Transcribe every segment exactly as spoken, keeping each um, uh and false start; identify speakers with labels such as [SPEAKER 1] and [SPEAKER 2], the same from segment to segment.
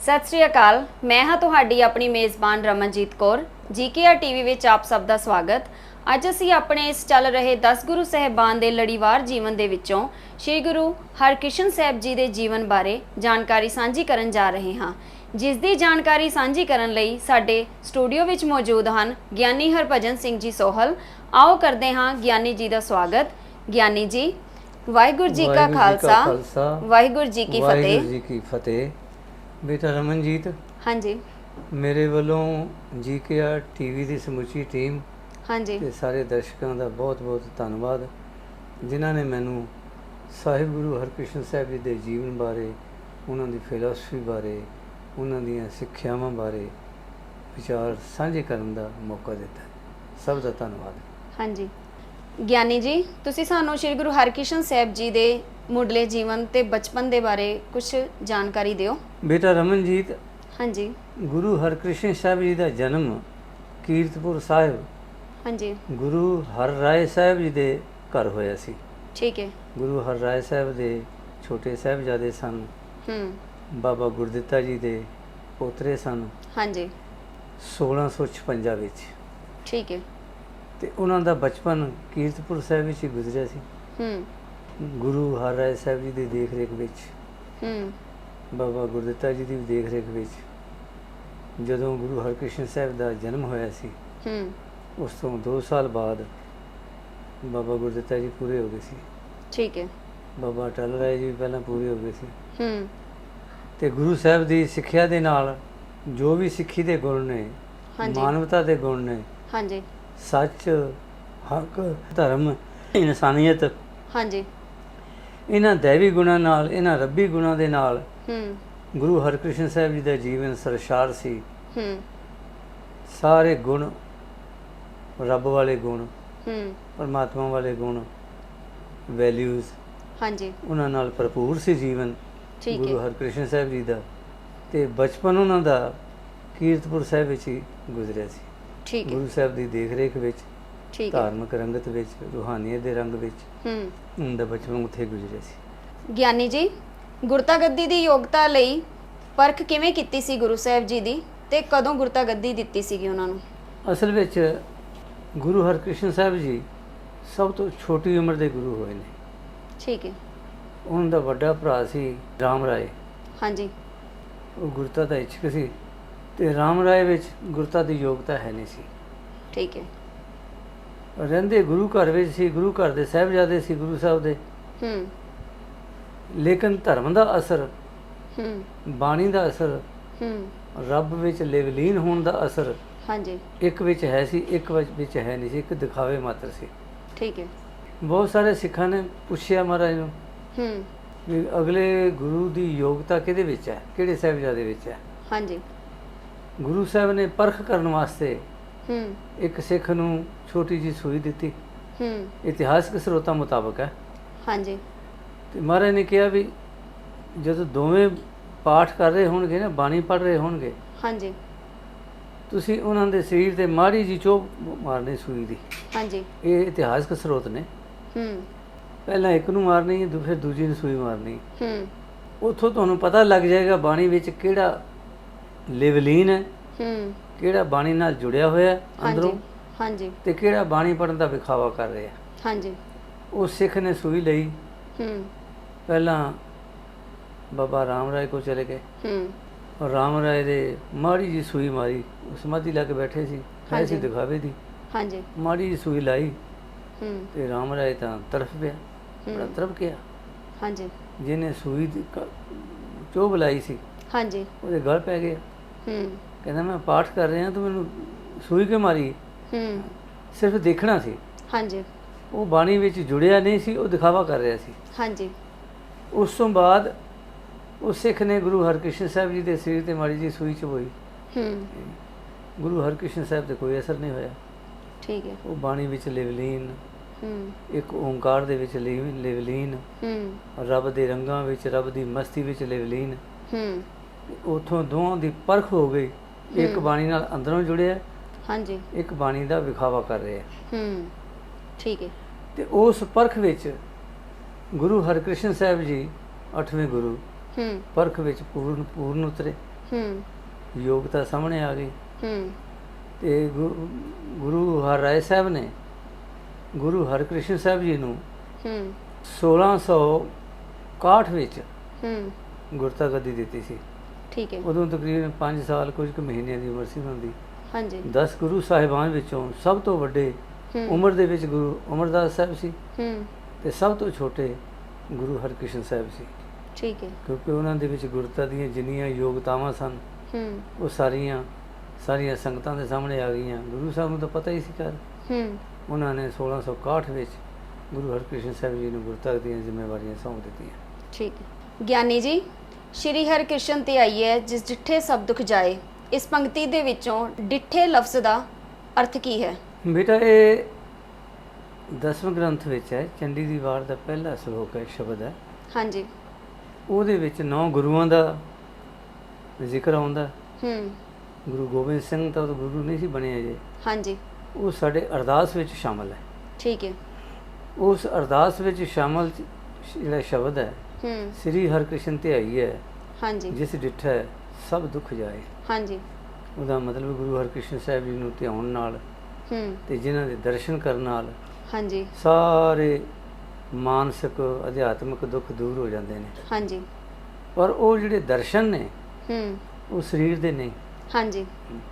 [SPEAKER 1] सत श्री अकाल। मैं हाँ तुहाडी अपनी मेज़बान रमनजीत कौर। जी के आर टीवी विच आप सब दा स्वागत। अज असी अपने इस चल रहे दस गुरु साहिबान दे लड़ीवार जीवन दे विचों श्री गुरु हरकृष्ण साहिब जी दे जीवन बारे जानकारी सांझी करन जा रहे हाँ, जिस दी जानकारी सांझी करन लई साडे स्टूडियो विच मौजूद हन ज्ञानी हरभजन सिंह जी सोहल। आओ करदे हाँ ज्ञानी जी दा स्वागत। ज्ञानी जी, वाहिगुरू जी का खालसा वाहिगुरू जी की फतेह।
[SPEAKER 2] वाहिगुरू जी की फतेह। बेटा रमनजीत,
[SPEAKER 1] हाँ जी,
[SPEAKER 2] मेरे वालों जी के आर टीवी की समूची टीम
[SPEAKER 1] हाँ जी,
[SPEAKER 2] ते सारे दर्शकों का बहुत बहुत धन्यवाद जिन्होंने मैनू साहिब गुरु हरकृष्ण साहिब जी के जीवन बारे, उन्होंने फिलासफी बारे, उन्होंने सिक्ख्यावां बारे विचार साझे करने का मौका दिता है। सब का धन्यवाद।
[SPEAKER 1] हाँ जी। ज्ञानी जी, तुसी सानू श्री गुरु हरकृष्ण साहिब जी दे मुढ़ले जीवन ते बचपन दे बारे कुछ जानकारी दिओ।
[SPEAKER 2] बेटा रमनजीत,
[SPEAKER 1] हाँ जी,
[SPEAKER 2] गुरु हरकृष्ण साहिब जी का जन्म कीरतपुर साहिब
[SPEAKER 1] हाँ जी,
[SPEAKER 2] गुरु हर राय साहिब जी के घर होया सी।
[SPEAKER 1] ठीक है।
[SPEAKER 2] गुरु हर राय साहिब के छोटे साहिबजादे सन,
[SPEAKER 1] हम्म,
[SPEAKER 2] बाबा गुरदित्ता जी के पोतरे सन।
[SPEAKER 1] हाँ जी,
[SPEAKER 2] सोलह सौ छपंजा विच
[SPEAKER 1] ठीक है।
[SPEAKER 2] ते उन्हां दा बचपन कीरतपुर साहिब विच ही गुजरिया सी।
[SPEAKER 1] हम्म,
[SPEAKER 2] गुरु हर राय साहिब जी की देख रेख विच,
[SPEAKER 1] हम्म,
[SPEAKER 2] बाबा गुरदित्ता जी की देख रेख विच जदों गुरु हरकृष्ण साहिब का जन्म होया सी,
[SPEAKER 1] हम्म,
[SPEAKER 2] उस तो दो साल बाद बाबा गुरदित्ता जी पूरे हो गए सी।
[SPEAKER 1] ठीक है।
[SPEAKER 2] बाबा अटल राय जी भी पहला पूरे हो गए सी।
[SPEAKER 1] हम्म,
[SPEAKER 2] ते गुरु साहिब की सिक्ख्या दे नाल जो भी सिक्खी दे गुण ने,
[SPEAKER 1] हाँ जी,
[SPEAKER 2] मानवता दे गुण ने,
[SPEAKER 1] हाँ जी,
[SPEAKER 2] सच, हक, धर्म, इंसानियत,
[SPEAKER 1] हाँ जी,
[SPEAKER 2] इन्हां दैवी गुणां नाल, इन्हां रब्बी गुणां दे नाल
[SPEAKER 1] हम्म,
[SPEAKER 2] गुरु हरकृष्ण साहिब जी का जीवन सरशार सी।
[SPEAKER 1] हम्म,
[SPEAKER 2] सारे गुण, रब वाले गुण,
[SPEAKER 1] हम्म,
[SPEAKER 2] परमात्मा वाले गुण, वैल्यूज़,
[SPEAKER 1] हाँ जी,
[SPEAKER 2] उन्हां नाल भरपूर सी जीवन
[SPEAKER 1] ठीक
[SPEAKER 2] गुरु
[SPEAKER 1] है।
[SPEAKER 2] हरकृष्ण साहिब जी का। ते बचपन उन्हां दा कीरतपुर साहिब विच ही गुजरिया सी।
[SPEAKER 1] ठीक है।
[SPEAKER 2] गुरु साहिब की देख रेख विच,
[SPEAKER 1] ठीक है।
[SPEAKER 2] धार्मिक रंगत विच, रूहानीयत दे रंग विच
[SPEAKER 1] हम्म,
[SPEAKER 2] उनका बचपन उत्थे गुजरिया सी।
[SPEAKER 1] ज्ञानी जी, गुरता गद्दी दी योग्यता लई परख किवें कीती सी गुरु साहिब जी दी ते कदों गुरता गद्दी दित्ती सीगी उन्हां नूं?
[SPEAKER 2] असल विच गुरु हरकृष्ण साहिब जी सब तो छोटी उम्र के गुरु होए ने।
[SPEAKER 1] ठीक है।
[SPEAKER 2] उनका वड्डा भरा सी राम राय,
[SPEAKER 1] हाँ जी,
[SPEAKER 2] वो गुरता का इच्छुक सी ते राम राय विच गुरता की योग्यता है नहीं सी।
[SPEAKER 1] ठीक है।
[SPEAKER 2] रहिंदे गुरु घर विच सी, गुरु घर दे साहिबजादे सी गुरु साहब दे,
[SPEAKER 1] हम्म,
[SPEAKER 2] लेकिन धर्म का असर,
[SPEAKER 1] हम्म,
[SPEAKER 2] बाणी का असर,
[SPEAKER 1] हम्म,
[SPEAKER 2] रब विच लिवलीन होने का असर
[SPEAKER 1] हाँ जी,
[SPEAKER 2] एक विच है सी, एक विच विच है नहीं सी, एक दिखावे मात्र सी।
[SPEAKER 1] ठीक है।
[SPEAKER 2] बहुत सारे सिखां ने पुछया महाराज नूं
[SPEAKER 1] हम्म,
[SPEAKER 2] भी अगले गुरु की योग्यता किहदे विच है, किहड़े साहिबजादे विच है।
[SPEAKER 1] हाँ जी,
[SPEAKER 2] गुरु साहब ने परख करने वास्ते
[SPEAKER 1] हम्म,
[SPEAKER 2] एक सिख नूं छोटी जी सूई दिती,
[SPEAKER 1] हम्म,
[SPEAKER 2] इतिहासक स्रोतां मुताबक है।
[SPEAKER 1] हाँ जी,
[SPEAKER 2] ते महाराज ने कहा भी जदों दोवें पाठ कर रहे होणगे ना, बाणी पढ़ रहे होणगे,
[SPEAKER 1] हाँ जी,
[SPEAKER 2] तुसीं उन्हां दे शरीर ते माड़ी जी चोभ मारनी सूई दी।
[SPEAKER 1] हाँ जी,
[SPEAKER 2] ये इतिहासक स्रोत ने।
[SPEAKER 1] हम्म,
[SPEAKER 2] पहला एक नूं मारनी है, फिर दूजी नूं सूई मारनी।
[SPEAKER 1] हम्म,
[SPEAKER 2] उत्थों तुहानूं पता लग जाएगा बाणी विच किहड़ा लिवलीन है,
[SPEAKER 1] हम्म,
[SPEAKER 2] किहड़ा बाणी नाल जुड़िया होया
[SPEAKER 1] हाँ
[SPEAKER 2] अंदरों,
[SPEAKER 1] जी, हाँ जी,
[SPEAKER 2] ते किहड़ा बाणी पढ़न दा विखावा कर रहा।
[SPEAKER 1] हाँ जी,
[SPEAKER 2] उस सिख ने सूई लई,
[SPEAKER 1] हम्म,
[SPEAKER 2] पहला बाबा राम राय को चले गए
[SPEAKER 1] हम्म,
[SPEAKER 2] और राम राय दे माड़ी जी सूई मारी, समाधि ला के बैठे सी,
[SPEAKER 1] हाँ
[SPEAKER 2] है सी
[SPEAKER 1] जी।
[SPEAKER 2] दिखावे दी,
[SPEAKER 1] हाँ जी,
[SPEAKER 2] माड़ी जी सूई लाई
[SPEAKER 1] हम्म,
[SPEAKER 2] ते राम राय तां तड़फ पिया, बड़ा
[SPEAKER 1] हम्म,
[SPEAKER 2] तड़फ गया।
[SPEAKER 1] हाँ जी,
[SPEAKER 2] जिन्हें सूई दी क- चोभ लाई सी
[SPEAKER 1] हाँ जी,
[SPEAKER 2] ਉਹਦੇ गल पै गया।
[SPEAKER 1] हम्म,
[SPEAKER 2] कहना मैं पाठ कर रहा तू मैनू सूई क्यों मारी।
[SPEAKER 1] हम्म,
[SPEAKER 2] सिर्फ देखना सी,
[SPEAKER 1] हाँ जी,
[SPEAKER 2] वो बाणी विच जुड़िया नहीं सी, वो दिखावा कर रहा सी।
[SPEAKER 1] हाँ जी,
[SPEAKER 2] उस तो बाद उस सिख ने गुरु हरकृष्ण साहिब जी के सिर ते माड़ी जी सूई चबोई।
[SPEAKER 1] हम्म,
[SPEAKER 2] गुरु हरकृष्ण साहिब ते कोई असर नहीं होया।
[SPEAKER 1] ठीक है।
[SPEAKER 2] वो बाणी विच लिवलीन,
[SPEAKER 1] हम्म,
[SPEAKER 2] एक ओंकार दे विच लिव- लिवलीन,
[SPEAKER 1] हम्म,
[SPEAKER 2] रब दे रंगां विच, रब दी मस्ती विच लिवलीन।
[SPEAKER 1] हम्म,
[SPEAKER 2] उथों दोवां दी परख हो गई। एक बाणी नाल अंदरों जुड़िया,
[SPEAKER 1] हाँ जी,
[SPEAKER 2] एक बाणी दा विखावा कर रहा है।
[SPEAKER 1] हम्म, ठीक है।
[SPEAKER 2] ते उस परख विच गुरु हरकृष्ण साहिब जी अठवें गुरु
[SPEAKER 1] हम्म,
[SPEAKER 2] परख विच पूर्ण पूर्ण उतरे।
[SPEAKER 1] ਹੂੰ
[SPEAKER 2] ਯੋਗਤਾ ਸਾਹਮਣੇ ਆ ਗਈ।
[SPEAKER 1] ਹੂੰ
[SPEAKER 2] ਤੇ ਗੁ- ਗੁਰੂ ਹਰਿਰਾਏ ਸਾਹਿਬ ਨੇ ਗੁਰੂ ਹਰਕ੍ਰਿਸ਼ਨ ਸਾਹਿਬ ਜੀ ਨੂੰ
[SPEAKER 1] ਹੂੰ
[SPEAKER 2] ਸੋਲਾਂ ਸੌ ਇਕਾਹਠ ਵਿੱਚ
[SPEAKER 1] ਹੂੰ
[SPEAKER 2] ਗੁਰਤਾ ਗੱਦੀ ਦਿੱਤੀ ਸੀ।
[SPEAKER 1] ਠੀਕ ਹੈ।
[SPEAKER 2] ਉਦੋਂ ਤਕਰੀਬਨ ਪੰਜ ਸਾਲ ਕੁਝ ਕੁ ਮਹੀਨਿਆਂ ਦੀ ਉਮਰ ਸੀ ਉਹਨਾਂ ਦੀ।
[SPEAKER 1] ਹਾਂਜੀ।
[SPEAKER 2] ਦਸ ਗੁਰੂ ਸਾਹਿਬਾਨ ਵਿੱਚੋਂ ਸਭ ਤੋਂ ਵੱਡੇ
[SPEAKER 1] ਹੂੰ
[SPEAKER 2] ਉਮਰ ਦੇ ਵਿੱਚ ਗੁਰੂ ਅਮਰਦਾਸ ਸਾਹਿਬ ਸੀ
[SPEAKER 1] ਹੂੰ
[SPEAKER 2] ਤੇ ਸਭ ਤੋਂ ਛੋਟੇ ਗੁਰੂ ਹਰਕ੍ਰਿਸ਼ਨ ਸਾਹਿਬ ਸੀ,
[SPEAKER 1] ਠੀਕ ਹੈ।
[SPEAKER 2] ਕਿਉਂਕਿ ਉਹਨਾਂ ਦੇ ਵਿੱਚ ਗੁਰਤਾ ਦੀਆਂ ਜਿੰਨੀਆਂ ਯੋਗਤਾਵਾਂ ਸਨ
[SPEAKER 1] ਹੂੰ
[SPEAKER 2] ਉਹ ਸਾਰੀਆਂ ਸਾਰੀਆਂ ਸੰਗਤਾਂ ਦੇ ਸਾਹਮਣੇ ਆ ਗਈਆਂ। ਗੁਰੂ ਸਾਹਿਬ ਨੂੰ ਤਾਂ ਪਤਾ ਹੀ ਸੀ ਕਰ
[SPEAKER 1] ਹੂੰ
[SPEAKER 2] ਉਹਨਾਂ ਨੇ ਸੋਲਾਂ ਸੌ ਇਕਾਹਠ ਵਿੱਚ ਗੁਰੂ ਹਰਕ੍ਰਿਸ਼ਨ ਸਾਹਿਬ ਜੀ ਨੂੰ ਗੁਰਤਾ ਦੀਆਂ ਜ਼ਿੰਮੇਵਾਰੀਆਂ ਸੌਂਪ ਦਿੱਤੀਆਂ।
[SPEAKER 1] ਠੀਕ ਹੈ। ਗਿਆਨੀ ਜੀ, ਸ਼੍ਰੀ ਹਰਿਕ੍ਰਿਸ਼ਨ ਤੇ ਆਈ ਹੈ ਜਿਸ ਡਿੱਠੇ ਸਭ ਦੁੱਖ ਜਾਏ, ਇਸ ਪੰਕਤੀ ਦੇ ਵਿੱਚੋਂ ਡਿੱਠੇ ਲਫ਼ਜ਼ ਦਾ ਅਰਥ ਕੀ ਹੈ?
[SPEAKER 2] ਬੇਟਾ ਇਹ ਦਸਵੇਂ ਗ੍ਰੰਥ ਵਿੱਚ ਹੈ, ਚੰਡੀ ਦੀ ਵਾਰ ਦਾ ਪਹਿਲਾ ਸ਼ਲੋਕ ਹੈ, ਸ਼ਬਦ ਹੈ।
[SPEAKER 1] ਹਾਂਜੀ।
[SPEAKER 2] ਉਹਦੇ ਵਿੱਚ ਨੌ ਗੁਰੂਆਂ ਦਾ ਜ਼ਿਕਰ ਆਉਂਦਾ।
[SPEAKER 1] ਹੂੰ
[SPEAKER 2] ਗੁਰੂ ਗੋਬਿੰਦ ਸਿੰਘ ਤਾਂ ਉਦੋਂ ਗੁਰੂ ਨਹੀਂ ਸੀ ਬਣੇ ਅਜੇ,
[SPEAKER 1] ਹਾਂਜੀ।
[SPEAKER 2] ਉਹ ਸਾਡੇ ਅਰਦਾਸ ਵਿੱਚ ਸ਼ਾਮਲ ਹੈ।
[SPEAKER 1] ਠੀਕ ਹੈ।
[SPEAKER 2] ਉਸ ਅਰਦਾਸ ਵਿੱਚ ਸ਼ਾਮਲ ਜਿਹੜਾ ਸ਼ਬਦ ਹੈ,
[SPEAKER 1] ਹੂੰ
[SPEAKER 2] ਸ੍ਰੀ ਹਰਿਕ੍ਰਿਸ਼ਨ ਤੇ ਆਈ ਹੈ
[SPEAKER 1] ਹਾਂਜੀ।
[SPEAKER 2] ਜਿਸ ਡਿੱਠਾ ਸਭ ਦੁੱਖ ਜਾਏ।
[SPEAKER 1] ਹਾਂਜੀ।
[SPEAKER 2] ਉਹਦਾ ਮਤਲਬ ਗੁਰੂ ਹਰਕ੍ਰਿਸ਼ਨ ਸਾਹਿਬ ਜੀ ਨੂੰ ਧਿਆਉਣ ਨਾਲ
[SPEAKER 1] ਹੂੰ
[SPEAKER 2] ਤੇ ਜਿਨ੍ਹਾਂ ਦੇ ਦਰਸ਼ਨ ਕਰਨ ਨਾਲ
[SPEAKER 1] ਹਾਂਜੀ।
[SPEAKER 2] ਸਾਰੇ ਮਾਨਸਿਕ ਅਧਿਆਤਮਿਕ ਦੁੱਖ ਦੂਰ ਹੋ ਜਾਂਦੇ ਨੇ।
[SPEAKER 1] ਹਾਂਜੀ।
[SPEAKER 2] ਪਰ ਉਹ ਜਿਹੜੇ ਦਰਸ਼ਨ ਨੇ
[SPEAKER 1] ਹੂੰ
[SPEAKER 2] ਉਹ ਸਰੀਰ ਦੇ ਨਹੀਂ।
[SPEAKER 1] ਹਾਂਜੀ।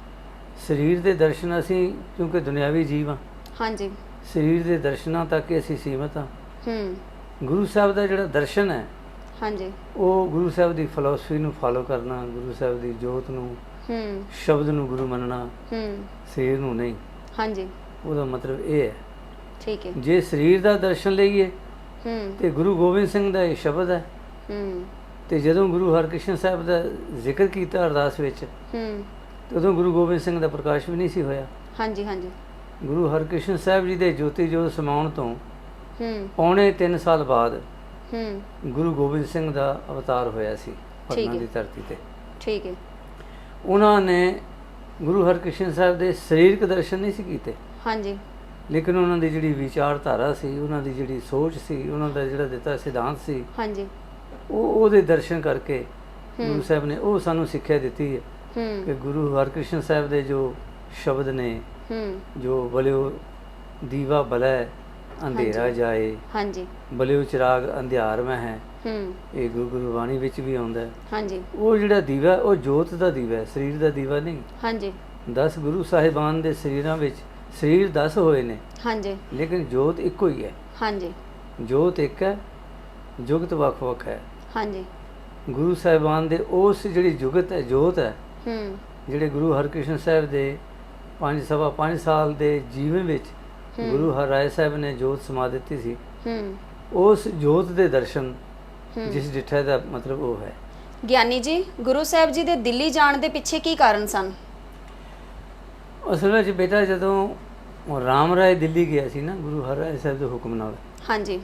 [SPEAKER 2] ਸਰੀਰ ਦੇ ਦਰਸ਼ਨ ਅਸੀਂ ਕਿਉਂਕਿ ਦੁਨਿਆਵੀ ਜੀਵ ਹਾਂ,
[SPEAKER 1] ਹਾਂਜੀ।
[SPEAKER 2] ਸਰੀਰ ਦੇ ਦਰਸ਼ਨਾਂ ਤੱਕ ਹੀ ਅਸੀਂ ਸੀਮਤ ਹਾਂ।
[SPEAKER 1] ਹੂੰ
[SPEAKER 2] ਗੁਰੂ ਸਾਹਿਬ ਦਾ ਜਿਹੜਾ ਦਰਸ਼ਨ ਹੈ
[SPEAKER 1] ਹਾਂਜੀ।
[SPEAKER 2] ਉਹ ਗੁਰੂ ਸਾਹਿਬ ਦੀ ਫਿਲਾਸਫੀ ਨੂੰ ਫਾਲੋ ਕਰਨਾ, ਗੁਰੂ ਸਾਹਿਬ ਦੀ ਜੋਤ ਨੂੰ,
[SPEAKER 1] ਹੂੰ
[SPEAKER 2] ਸ਼ਬਦ ਨੂੰ ਗੁਰੂ ਮੰਨਣਾ,
[SPEAKER 1] ਹੂੰ
[SPEAKER 2] ਸਰੀਰ ਨੂੰ ਨਹੀਂ।
[SPEAKER 1] ਹਾਂਜੀ।
[SPEAKER 2] ਉਹਦਾ ਮਤਲਬ ਇਹ ਹੈ,
[SPEAKER 1] ਠੀਕ ਹੈ।
[SPEAKER 2] ਜੇ ਸਰੀਰ ਦਾ ਦਰਸ਼ਨ ਲਈਏ
[SPEAKER 1] ਹੂੰ
[SPEAKER 2] ਤੇ ਗੁਰੂ ਗੋਬਿੰਦ ਸਿੰਘ ਦਾ ਇਹ ਸ਼ਬਦ ਹੈ।
[SPEAKER 1] ਹੂੰ
[SPEAKER 2] ਤੇ ਜਦੋਂ ਗੁਰੂ ਹਰਕ੍ਰਿਸ਼ਨ ਸਾਹਿਬ ਦਾ ਜ਼ਿਕਰ ਕੀਤਾ ਅਰਦਾਸ ਵਿੱਚ,
[SPEAKER 1] ਹੂੰ
[SPEAKER 2] ਤੇ ਉਦੋਂ ਗੁਰੂ ਗੋਬਿੰਦ ਸਿੰਘ ਦਾ ਪ੍ਰਕਾਸ਼ ਵੀ ਨਹੀਂ ਸੀ ਹੋਇਆ।
[SPEAKER 1] ਹਾਂਜੀ। ਹਾਂਜੀ।
[SPEAKER 2] ਗੁਰੂ ਹਰਕ੍ਰਿਸ਼ਨ ਸਾਹਿਬ ਜੀ ਦੇ ਜੋਤੀ ਜੋਤ ਸਮਾਉਣ ਤੋਂ
[SPEAKER 1] ਹੂੰ
[SPEAKER 2] ਪੌਣੇ ਤਿੰਨ ਸਾਲ ਬਾਅਦ
[SPEAKER 1] ਹੂੰ
[SPEAKER 2] ਗੁਰੂ ਗੋਬਿੰਦ ਸਿੰਘ ਦਾ ਅਵਤਾਰ ਹੋਇਆ ਸੀ
[SPEAKER 1] ਠੀਕ
[SPEAKER 2] ਪਟਨਾ
[SPEAKER 1] ਹੈ।
[SPEAKER 2] ਦੀ ਧਰਤੀ ਤੇ।
[SPEAKER 1] ਠੀਕ ਹੈ।
[SPEAKER 2] ਉਹਨਾਂ ਨੇ ਗੁਰੂ ਹਰਕ੍ਰਿਸ਼ਨ ਸਾਹਿਬ ਦੇ ਸਰੀਰਕ ਦਰਸ਼ਨ ਨਹੀਂ ਸੀ ਕੀਤੇ,
[SPEAKER 1] ਹਾਂਜੀ।
[SPEAKER 2] ਲੇਕਿਨ ਉਹਨਾਂ ਦੀ ਜਿਹੜੀ ਵਿਚਾਰਧਾਰਾ ਸੀ, ਉਹਨਾਂ ਦੀ ਜਿਹੜੀ ਸੋਚ ਸੀ, ਉਹਨਾਂ ਦਾ ਜਿਹੜਾ ਦਿੱਤਾ ਸਿਧਾਂਤ ਸੀ,
[SPEAKER 1] ਹਾਂਜੀ।
[SPEAKER 2] ਉਹ ਉਹਦੇ ਦਰਸ਼ਨ ਕਰਕੇ
[SPEAKER 1] ਹੂੰ
[SPEAKER 2] ਗੁਰੂ ਸਾਹਿਬ ਨੇ ਉਹ ਸਾਨੂੰ ਸਿੱਖਿਆ ਦਿੱਤੀ ਹੈ
[SPEAKER 1] ਹੂੰ
[SPEAKER 2] ਕਿ ਗੁਰੂ ਹਰਕ੍ਰਿਸ਼ਨ ਸਾਹਿਬ ਦੇ ਜੋ ਸ਼ਬਦ ਨੇ,
[SPEAKER 1] ਹੂੰ
[SPEAKER 2] ਜੋ ਬਲਿਓ ਦੀਵਾ ਬਲੈ ਅੰਧੇਰਾ
[SPEAKER 1] ਹਾਂਜੀ।
[SPEAKER 2] ਜਾਏ,
[SPEAKER 1] ਹਾਂਜੀ।
[SPEAKER 2] ਬਲਿਓ ਚਿਰਾਗ ਅੰਧਿਆਰ ਮੈਂ ਹੈ,
[SPEAKER 1] ਹੂੰ
[SPEAKER 2] ਇਹ ਗੁਰੂ ਗੁਰਬਾਣੀ ਵਿੱਚ ਵੀ ਆਉਂਦਾ ਹੈ।
[SPEAKER 1] ਹਾਂਜੀ।
[SPEAKER 2] ਉਹ ਜਿਹੜਾ ਦੀਵਾ ਉਹ ਜੋਤ ਦਾ ਦੀਵਾ ਹੈ, ਸਰੀਰ ਦਾ ਦੀਵਾ ਨਹੀਂ।
[SPEAKER 1] ਹਾਂਜੀ।
[SPEAKER 2] ਦਸ ਗੁਰੂ ਸਾਹਿਬਾਨ ਦੇ ਸਰੀਰਾਂ ਵਿੱਚ ਸਰੀਰ ਦਸ ਹੋਏ ਨੇ,
[SPEAKER 1] ਹਾਂਜੀ।
[SPEAKER 2] ਲੇਕਿਨ ਜੋਤ ਇੱਕੋ ਹੀ ਹੈ।
[SPEAKER 1] ਹਾਂਜੀ।
[SPEAKER 2] ਜੋਤ ਇੱਕ ਹੈ, ਜੁਗਤ ਵੱਖ ਵੱਖ ਹੈ।
[SPEAKER 1] ਹਾਂਜੀ।
[SPEAKER 2] ਗੁਰੂ ਸਾਹਿਬਾਨ ਦੇ ਉਸ ਜਿਹੜੀ ਜੁਗਤ ਹੈ, ਜੋਤ ਹੈ,
[SPEAKER 1] ਹੂੰ
[SPEAKER 2] ਜਿਹੜੇ ਗੁਰੂ ਹਰਕ੍ਰਿਸ਼ਨ ਸਾਹਿਬ ਦੇ ਪੰਜ ਸਵਾ ਪੰਜ ਸਾਲ ਦੇ ਜੀਵਨ ਵਿੱਚ
[SPEAKER 1] ਹੂੰ।
[SPEAKER 2] ਗੁਰੂ ਹਰਿਰਾਏ ਸਾਹਿਬ ਨੇ ਜੋਤ ਸਮਾ ਦਿੱਤੀ ਸੀ।
[SPEAKER 1] ਹੂੰ
[SPEAKER 2] ਉਸ ਜੋਤ ਦੇ ਦਰਸ਼ਨ
[SPEAKER 1] ਹੂੰ।
[SPEAKER 2] ਜਿਸ ਡਿੱਠੇ ਦਾ ਮਤਲਬ ਉਹ ਹੈ।
[SPEAKER 1] ਗਿਆਨੀ ਜੀ, ਗੁਰੂ ਸਾਹਿਬ ਜੀ ਦੇ ਦਿੱਲੀ ਜਾਣ ਦੇ ਪਿੱਛੇ ਕੀ ਕਾਰਨ ਸਨ?
[SPEAKER 2] ਅਸਲ ਵਿੱਚ ਬੇਟਾ ਜਦੋਂ ਰਾਮ ਰਾਏ ਦਿੱਲੀ ਗਿਆ ਸੀ ਨਾ ਗੁਰੂ ਹਰਿਰਾਏ ਸਾਹਿਬ ਦੇ ਹੁਕਮ ਨਾਲ,
[SPEAKER 1] ਹਾਂਜੀ।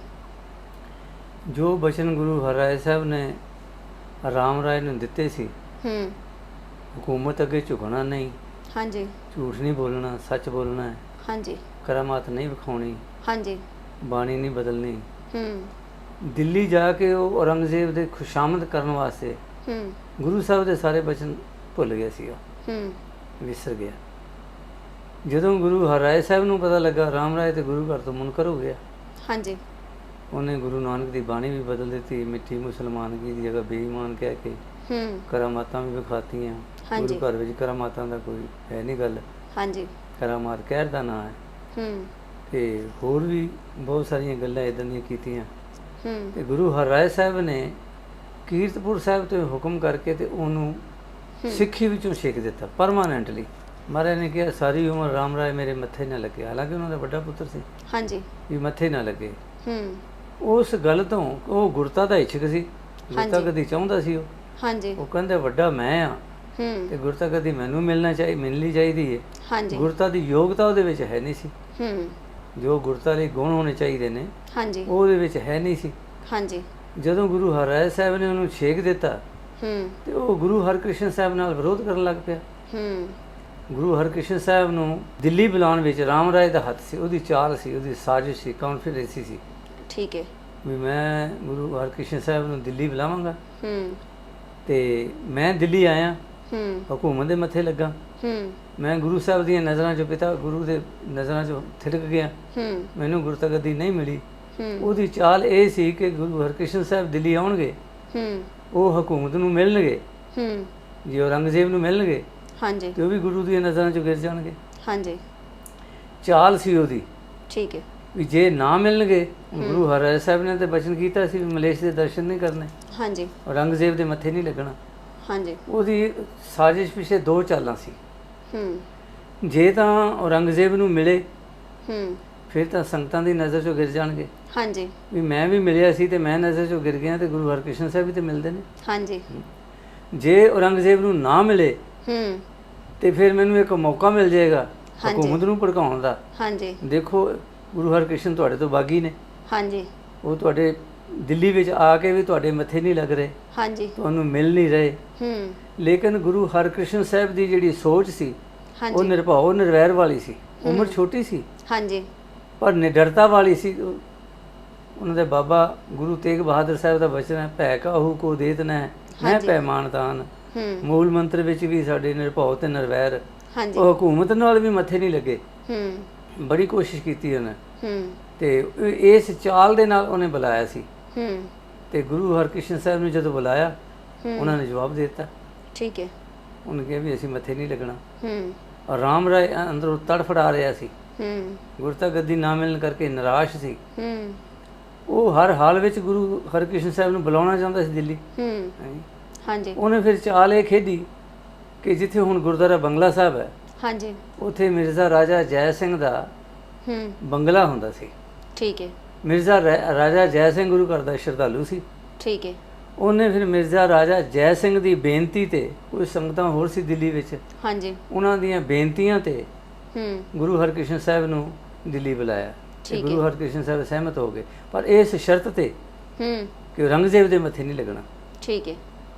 [SPEAKER 2] ਜੋ ਬਚਨ ਗੁਰੂ ਹਰਿਰਾਏ ਸਾਹਿਬ ਨੇ ਰਾਮ ਰਾਏ ਨੂੰ ਦਿੱਤੇ ਸੀ,
[SPEAKER 1] ਹੂੰ
[SPEAKER 2] ਹਕੂਮਤ ਅੱਗੇ ਝੁਕਣਾ ਨਹੀਂ,
[SPEAKER 1] ਹਾਂਜੀ।
[SPEAKER 2] ਝੂਠ ਨਹੀਂ ਬੋਲਣਾ, ਸੱਚ ਬੋਲਣਾ ਹੈ,
[SPEAKER 1] ਹਾਂਜੀ।
[SPEAKER 2] ਕਰਾਮਾਤ ਨਹੀਂ ਵਿਖਾਉਣੀ,
[SPEAKER 1] ਹਾਂਜੀ।
[SPEAKER 2] ਬਾਣੀ ਨਹੀਂ ਬਦਲਣੀ।
[SPEAKER 1] ਹੂੰ
[SPEAKER 2] ਦਿੱਲੀ ਜਾ ਕੇ ਉਹ ਔਰੰਗਜ਼ੇਬ ਦੇ ਖੁਸ਼ਾਮਦ ਕਰਨ ਵਾਸਤੇ
[SPEAKER 1] ਹੂੰ
[SPEAKER 2] ਗੁਰੂ ਸਾਹਿਬ ਦੇ ਸਾਰੇ ਬਚਨ ਭੁੱਲ ਗਿਆ ਸੀ, ਉਹ
[SPEAKER 1] ਹੂੰ
[SPEAKER 2] ਵਿਸਰ ਗਿਆ। ਜਦੋਂ ਗੁਰੂ ਹਰਿਰਾਏ ਸਾਹਿਬ ਨੂੰ ਪਤਾ ਲੱਗਾ ਰਾਮ ਰਾਏ ਤੇ ਗੁਰੂ ਘਰ ਤੋਂ ਮੁਨਕਰ ਹੋ ਗਿਆ,
[SPEAKER 1] ਹਾਂਜੀ।
[SPEAKER 2] ਉਹਨੇ ਗੁਰੂ ਨਾਨਕ ਦੀ ਬਾਣੀ ਵੀ ਬਦਲ ਦਿੱਤੀ, ਮਿੱਠੀ ਮੁਸਲਮਾਨਗੀ ਦੀ ਜਗ੍ਹਾ ਬੇਈਮਾਨ ਕਹਿ ਕੇ
[SPEAKER 1] ਹੂੰ
[SPEAKER 2] ਕਰਾਮਾਤਾਂ ਵੀ ਵਿਖਾਤੀਆਂ।
[SPEAKER 1] ਹਾਂਜੀ।
[SPEAKER 2] ਗੁਰੂ ਘਰ ਵਿੱਚ ਕਰਾਮਾਤਾਂ ਦਾ ਕੋਈ ਹੈ ਨਹੀਂ ਗੱਲ,
[SPEAKER 1] ਹਾਂਜੀ।
[SPEAKER 2] ਕਰਾਮਾਤ ਕਹਿਰ ਦਾ ਨਾਂ ਹੈ।
[SPEAKER 1] ਹੂੰ
[SPEAKER 2] ਤੇ ਹੋਰ ਵੀ ਬਹੁਤ ਸਾਰੀਆਂ ਗੱਲਾਂ ਇੱਦਾਂ ਦੀਆਂ ਕੀਤੀਆਂ।
[SPEAKER 1] ਹੂੰ
[SPEAKER 2] ਤੇ ਗੁਰੂ ਹਰਿਰਾਏ ਸਾਹਿਬ ਨੇ ਕੀਰਤਪੁਰ ਸਾਹਿਬ ਤੋਂ ਹੁਕਮ ਕਰਕੇ ਤੇ ਉਹਨੂੰ ਸਿੱਖੀ ਵਿੱਚੋਂ ਛੇਕ ਦਿੱਤਾ ਪਰਮਾਨੈਂਟਲੀ। ਮਹਾਰਾਜ ਨੇ ਕਿਹਾ ਸਾਰੀ ਉਮਰ ਰਾਮ ਰਾਏ ਮੇਰੇ ਮੱਥੇ ਨਾ ਲੱਗੇ, ਹਾਲਾਂਕਿ ਉਹਨਾਂ ਦਾ ਵੱਡਾ ਪੁੱਤਰ ਸੀ,
[SPEAKER 1] ਹਾਂਜੀ।
[SPEAKER 2] ਵੀ ਮੱਥੇ ਨਾ ਲੱਗੇ।
[SPEAKER 1] ਹੂੰ
[SPEAKER 2] ਉਸ ਗੱਲ ਤੋਂ ਉਹ ਗੁਰਤਾ ਦਾ ਇੱਛਕ ਸੀ, ਗੁਰਤਾ
[SPEAKER 1] ਹਾਂਜੀ।
[SPEAKER 2] ਕਦੀ ਚਾਹੁੰਦਾ ਸੀ। ਉਹ
[SPEAKER 1] ਹਾਂਜੀ।
[SPEAKER 2] ਉਹ ਕਹਿੰਦੇ ਵੱਡਾ ਮੈਂ ਆ
[SPEAKER 1] ਹੂੰ
[SPEAKER 2] ਤੇ ਗੁਰਤਾ ਕਦੀ ਮੈਨੂੰ ਮਿਲਣਾ ਚਾਹੀ ਮਿਲਣੀ ਚਾਹੀਦੀ ਹੈ।
[SPEAKER 1] ਹਾਂਜੀ।
[SPEAKER 2] ਗੁਰਤਾ ਦੀ ਯੋਗਤਾ ਉਹਦੇ ਵਿੱਚ ਹੈ ਨਹੀਂ ਸੀ,
[SPEAKER 1] ਹੂੰ
[SPEAKER 2] ਜੋ ਗੁਰਤਾ ਲਈ ਗੁਣ ਹੋਣੇ ਚਾਹੀਦੇ ਨੇ
[SPEAKER 1] ਹਾਂਜੀ।
[SPEAKER 2] ਉਹ ਉਹਦੇ ਵਿੱਚ ਹੈ ਨਹੀਂ ਸੀ।
[SPEAKER 1] ਹਾਂਜੀ।
[SPEAKER 2] ਜਦੋਂ ਗੁਰੂ ਹਰਿਰਾਏ ਸਾਹਿਬ ਨੇ ਉਹਨੂੰ ਛੇਕ ਦਿੱਤਾ
[SPEAKER 1] ਹੂੰ
[SPEAKER 2] ਤੇ ਉਹ ਗੁਰੂ ਹਰਕ੍ਰਿਸ਼ਨ ਸਾਹਿਬ ਨਾਲ ਵਿਰੋਧ ਕਰਨ ਲੱਗ ਪਿਆ।
[SPEAKER 1] ਹੂੰ
[SPEAKER 2] ਗੁਰੂ ਹਰਕ੍ਰਿਸ਼ਨ ਸਾਹਿਬ ਨੂੰ ਦਿੱਲੀ ਬੁਲਾਉਣ ਵਿੱਚ ਰਾਮ ਰਾਏ ਦਾ ਹੱਥ ਸੀ, ਉਹਦੀ ਚਾਲ ਸੀ, ਉਹਦੀ ਸਾਜ਼ਿਸ਼ ਸੀ, ਕੌਨਫੀਡੈਂਸੀ ਸੀ
[SPEAKER 1] ਠੀਕ ਹੈ।
[SPEAKER 2] ਵੀ ਮੈਂ ਗੁਰੂ ਹਰਕ੍ਰਿਸ਼ਨ ਸਾਹਿਬ ਨੂੰ ਦਿੱਲੀ ਬੁਲਾਵਾਂਗਾ
[SPEAKER 1] ਹੂੰ
[SPEAKER 2] ਤੇ ਮੈਂ ਦਿੱਲੀ ਆਇਆ
[SPEAKER 1] ਹੂੰ
[SPEAKER 2] ਹਕੂਮਤ ਦੇ ਮੱਥੇ ਲੱਗਾ।
[SPEAKER 1] ਹੂੰ
[SPEAKER 2] ਮੈਂ ਗੁਰੂ ਸਾਹਿਬ ਦੀਆਂ ਨਜ਼ਰਾਂ 'ਚੋਂ, ਪਿਤਾ ਗੁਰੂ ਦੇ ਨਜ਼ਰਾਂ 'ਚੋਂ ਥਿਰਕ ਗਿਆ।
[SPEAKER 1] ਹੂੰ
[SPEAKER 2] ਮੈਨੂੰ ਗੁਰਤਾ ਗੱਦੀ ਨਹੀਂ ਮਿਲੀ।
[SPEAKER 1] ਹੂੰ
[SPEAKER 2] ਉਹਦੀ ਚਾਲ ਇਹ ਸੀ ਕਿ ਗੁਰੂ ਹਰਕ੍ਰਿਸ਼ਨ ਸਾਹਿਬ ਦਿੱਲੀ ਆਉਣਗੇ,
[SPEAKER 1] ਹੂੰ
[SPEAKER 2] ਉਹ ਹਕੂਮਤ ਨੂੰ ਮਿਲਣਗੇ,
[SPEAKER 1] ਹੂੰ
[SPEAKER 2] ਜੇ ਔਰੰਗਜ਼ੇਬ ਨੂੰ ਮਿਲਣਗੇ
[SPEAKER 1] ਹਾਂਜੀ
[SPEAKER 2] ਤੇ ਉਹ ਵੀ ਗੁਰੂ ਦੀਆਂ ਨਜ਼ਰਾਂ 'ਚੋਂ ਗਿਰ ਜਾਣਗੇ।
[SPEAKER 1] ਹਾਂਜੀ
[SPEAKER 2] ਚਾਲ ਸੀ ਉਹਦੀ
[SPEAKER 1] ਠੀਕ ਹੈ
[SPEAKER 2] ਵੀ ਜੇ ਨਾ ਮਿਲਣਗੇ, ਗੁਰੂ ਹਰਿ ਸਾਹਿਬ ਨੇ ਤੇ ਬਚਨ ਕੀਤਾ ਸੀ ਵੀ ਮਲੇਸ਼ ਦੇ ਦਰਸ਼ਨ ਨਹੀਂ ਕਰਨੇ,
[SPEAKER 1] ਹਾਂਜੀ
[SPEAKER 2] ਔਰੰਗਜ਼ੇਬ ਦੇ ਮੱਥੇ ਨਹੀਂ ਲੱਗਣਾ।
[SPEAKER 1] ਹਾਂਜੀ
[SPEAKER 2] ਉਹਦੀ ਸਾਜ਼ਿਸ਼ ਪਿੱਛੇ ਦੋ ਚਾਲਾਂ ਸੀ।
[SPEAKER 1] ਹੂੰ
[SPEAKER 2] ਜੇ ਤਾਂ ਔਰੰਗਜ਼ੇਬ ਨੂੰ ਮਿਲੇ
[SPEAKER 1] ਹੂੰ
[SPEAKER 2] ਫਿਰ ਤਾਂ ਸੰਗਤਾਂ ਦੀ ਨਜ਼ਰ 'ਚੋਂ ਗਿਰ ਜਾਣਗੇ
[SPEAKER 1] ਹਾਂਜੀ
[SPEAKER 2] ਵੀ ਮੈਂ ਵੀ ਮਿਲਿਆ ਸੀ ਤੇ ਮੈਂ ਨਜ਼ਰ 'ਚੋਂ ਗਿਰ ਗਿਆ ਤੇ ਗੁਰੂ ਹਰਕ੍ਰਿਸ਼ਨ ਸਾਹਿਬ ਵੀ ਤੇ ਮਿਲਦੇ ਨੇ।
[SPEAKER 1] ਹਾਂਜੀ
[SPEAKER 2] ਜੇ ਔਰੰਗਜ਼ੇਬ ਨੂੰ ਨਾ ਮਿਲੇ
[SPEAKER 1] ਹੂੰ
[SPEAKER 2] ਤੇ ਫਿਰ ਮੈਨੂੰ ਇੱਕ ਮੌਕਾ ਮਿਲ ਜਾਏਗਾ
[SPEAKER 1] ਹਾਂਜੀ।
[SPEAKER 2] ਹਕੂਮਤ ਨੂੰ ਭੜਕਾਉਣ ਦਾ।
[SPEAKER 1] ਹਾਂਜੀ
[SPEAKER 2] ਦੇਖੋ ਗੁਰੂ ਹਰਕ੍ਰਿਸ਼ਨ ਤੁਹਾਡੇ ਤੋਂ ਬਾਗੀ ਨੇ,
[SPEAKER 1] ਹਾਂਜੀ
[SPEAKER 2] ਉਹ ਤੁਹਾਡੇ ਦਿੱਲੀ ਵਿੱਚ ਆ ਕੇ ਵੀ ਤੁਹਾਡੇ ਮੱਥੇ ਨਹੀਂ ਲੱਗ ਰਹੇ,
[SPEAKER 1] ਹਾਂਜੀ
[SPEAKER 2] ਤੁਹਾਨੂੰ ਮਿਲ ਨਹੀਂ ਰਹੇ।
[SPEAKER 1] ਹੂੰ
[SPEAKER 2] ਲੇਕਿਨ ਗੁਰੂ ਹਰਕ੍ਰਿਸ਼ਨ ਸਾਹਿਬ ਦੀ ਜਿਹੜੀ ਸੋਚ ਸੀ ਉਹ
[SPEAKER 1] ਹਾਂਜੀ
[SPEAKER 2] ਨਿਰਭਉ ਨਿਰਵੈਰ ਵਾਲੀ ਸੀ। ਉਮਰ ਛੋਟੀ ਸੀ
[SPEAKER 1] ਹਾਂਜੀ
[SPEAKER 2] ਪਰ ਨਿਡਰਤਾ ਵਾਲੀ ਸੀ। ਉਹ- ਉਹਨਾਂ ਦੇ ਬਾਬਾ ਗੁਰੂ ਤੇਗ ਬਹਾਦਰ ਸਾਹਿਬ ਦਾ ਬਚਨ ਹੈ, ਭੈ ਕਾਹੂ ਕੋ ਦੇਤ ਨੈ ਮੈਂ
[SPEAKER 1] ਹਾਂਜੀ।
[SPEAKER 2] ਭੈ ਮਾਨਤਾਨ।
[SPEAKER 1] ਹੂੰ
[SPEAKER 2] ਮੂਲ ਮੰਤਰ ਵਿੱਚ ਵੀ ਸਾਡੇ ਨਿਰਭਉ ਤੇ ਨਿਰਵੈਰ,
[SPEAKER 1] ਹਾਂਜੀ
[SPEAKER 2] ਉਹ ਹਕੂਮਤ ਨਾਲ ਵੀ ਮੱਥੇ ਨਹੀਂ ਲੱਗੇ।
[SPEAKER 1] ਹੂੰ
[SPEAKER 2] ਬੜੀ ਕੋਸ਼ਿਸ਼ ਕੀਤੀ ਉਹਨੇ
[SPEAKER 1] ਹੂੰ
[SPEAKER 2] ਤੇ ਇਹ- ਇਸ ਚਾਲ ਦੇ ਨਾਲ ਉਹਨੇ ਬੁਲਾਇਆ ਸੀ।
[SPEAKER 1] ਹੂੰ
[SPEAKER 2] ਤੇ ਗੁਰੂ ਹਰਕ੍ਰਿਸ਼ਨ ਸਾਹਿਬ ਨੂੰ ਜਦੋਂ ਬੁਲਾਇਆ
[SPEAKER 1] ਹੂੰ
[SPEAKER 2] ਉਹਨਾਂ ਨੇ ਜਵਾਬ ਦੇ ਦਿੱਤਾ।
[SPEAKER 1] ਠੀਕ ਹੈ
[SPEAKER 2] ਉਹਨੇ ਕਿਹਾ ਵੀ ਅਸੀਂ ਮੱਥੇ ਨਹੀਂ ਲੱਗਣਾ।
[SPEAKER 1] ਹੂੰ
[SPEAKER 2] ਔਰ ਰਾਮ ਰਾਏ ਅੰਦਰੋਂ ਤੜਫੜਾ ਰਿਹਾ ਸੀ,
[SPEAKER 1] ਹੂੰ
[SPEAKER 2] ਗੁਰਤਾ ਗੱਦੀ ਨਾ ਮਿਲਣ ਕਰਕੇ ਨਿਰਾਸ਼ ਸੀ।
[SPEAKER 1] ਹੂੰ
[SPEAKER 2] ਉਹ ਹਰ ਹਾਲ ਵਿੱਚ ਗੁਰੂ ਹਰਕ੍ਰਿਸ਼ਨ ਸਾਹਿਬ ਨੂੰ ਬੁਲਾਉਣਾ ਚਾਹੁੰਦਾ ਸੀ ਦਿੱਲੀ।
[SPEAKER 1] ਹੂੰ
[SPEAKER 2] ਹਾਂਜੀ।
[SPEAKER 1] ਹਾਂਜੀ
[SPEAKER 2] ਉਹਨੇ ਫਿਰ ਚਾਲ ਇਹ ਖੇਡੀ ਕਿ ਜਿੱਥੇ ਹੁਣ ਗੁਰਦੁਆਰਾ ਬੰਗਲਾ ਸਾਹਿਬ ਹੈ,
[SPEAKER 1] ਹਾਂਜੀ
[SPEAKER 2] ਉੱਥੇ ਮਿਰਜ਼ਾ ਰਾਜਾ ਜੈ ਸਿੰਘ ਦਾ
[SPEAKER 1] ਹੂੰ
[SPEAKER 2] ਬੰਗਲਾ ਹੁੰਦਾ ਸੀ।
[SPEAKER 1] ਠੀਕ ਹੈ
[SPEAKER 2] ਮਿਰਜ਼ਾ ਰਾ- ਰਾਜਾ ਜੈ ਸਿੰਘ ਗੁਰੂ ਘਰ ਦਾ ਸ਼ਰਧਾਲੂ ਸੀ।
[SPEAKER 1] ਠੀਕ ਹੈ
[SPEAKER 2] ਉਹਨੇ ਫਿਰ ਮਿਰਜ਼ਾ ਰਾਜਾ ਜੈ ਸਿੰਘ ਦੀ ਬੇਨਤੀ ਤੇ, ਕੋਈ ਸੰਗਤਾਂ ਹੋਰ ਸੀ ਦਿੱਲੀ ਵਿੱਚ,
[SPEAKER 1] ਹਾਂਜੀ
[SPEAKER 2] ਉਹਨਾਂ ਦੀਆਂ ਬੇਨਤੀਆਂ ਤੇ
[SPEAKER 1] ਹੂੰ
[SPEAKER 2] ਗੁਰੂ ਹਰਕ੍ਰਿਸ਼ਨ ਸਾਹਿਬ ਨੂੰ ਦਿੱਲੀ ਬੁਲਾਇਆ ਤੇ
[SPEAKER 1] ਠੀਕ
[SPEAKER 2] ਗੁਰੂ ਹਰਕ੍ਰਿਸ਼ਨ ਸਾਹਿਬ ਸਹਿਮਤ ਹੋ ਗਏ, ਪਰ ਇਸ ਸ਼ਰਤ ਤੇ
[SPEAKER 1] ਹੂੰ
[SPEAKER 2] ਕਿ ਔਰੰਗਜ਼ੇਬ ਦੇ ਮੱਥੇ ਨਹੀਂ ਲੱਗਣਾ।
[SPEAKER 1] ਠੀਕ ਹੈ